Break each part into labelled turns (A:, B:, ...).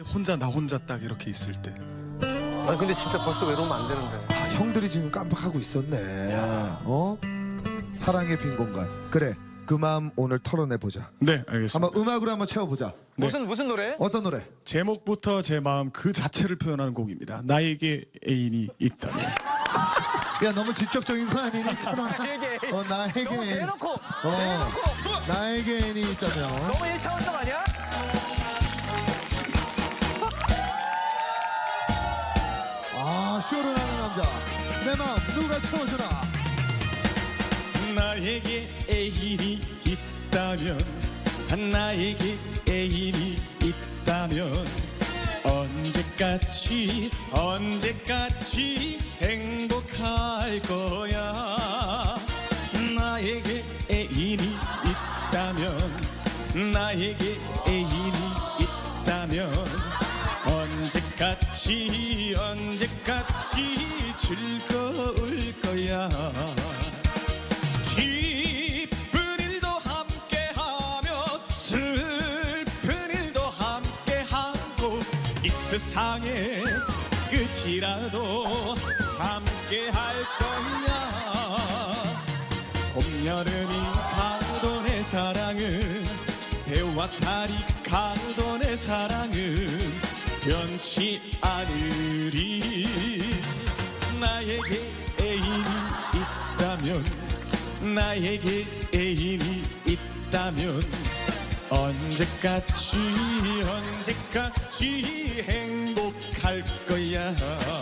A: 혼자 나 혼자 딱 이렇게 있을 때.
B: 아니 근데 진짜 벌써 외로우면 안 되는데.
C: 아, 형들이 지금 깜빡하고 있었네. 어? 사랑의 빈 공간. 그래, 그 마음 오늘 털어내 보자.
A: 네, 알겠습니다.
C: 한번 음악으로 한번 채워보자.
B: 무슨 노래?
C: 어떤 노래?
A: 제목부터 제 마음 그 자체를 표현하는 곡입니다. 나에게 애인이 있다면.
C: 야, 너무 직접적인 거 아니니? 천원아?
B: 나에게.
C: 나에게
B: 너무
C: 애인.
B: 대놓고.
C: 나에게 애인이 있다면.
B: 너무 1차원적 아니야?
C: 아, 쇼를 하는 남자. 내 마음 누가 채워주나?
A: 나에게 애인이 있다면, 나에게 애인이 있다면 언제까지 행복할 거야. 나에게 애인이 있다면, 나에게 애인이 있다면 언제까지 즐거울 거야. 기쁜 일도 함께하며 슬픈 일도 함께하고 이 세상의 끝이라도 함께할 거야. 봄, 여름이 가도 내 사랑은 배와 달이 가도 내 사랑은 변치 않으리. 나에게 애인이 있다면, 나에게 애인이 있다면 언제까지 행복할 거야.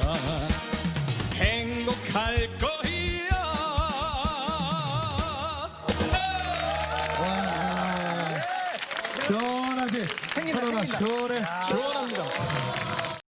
A: 행복할 거야.
C: 와, 시원하지?
B: 생긴다,
C: 천원아,
B: 생긴다.
C: 시원해.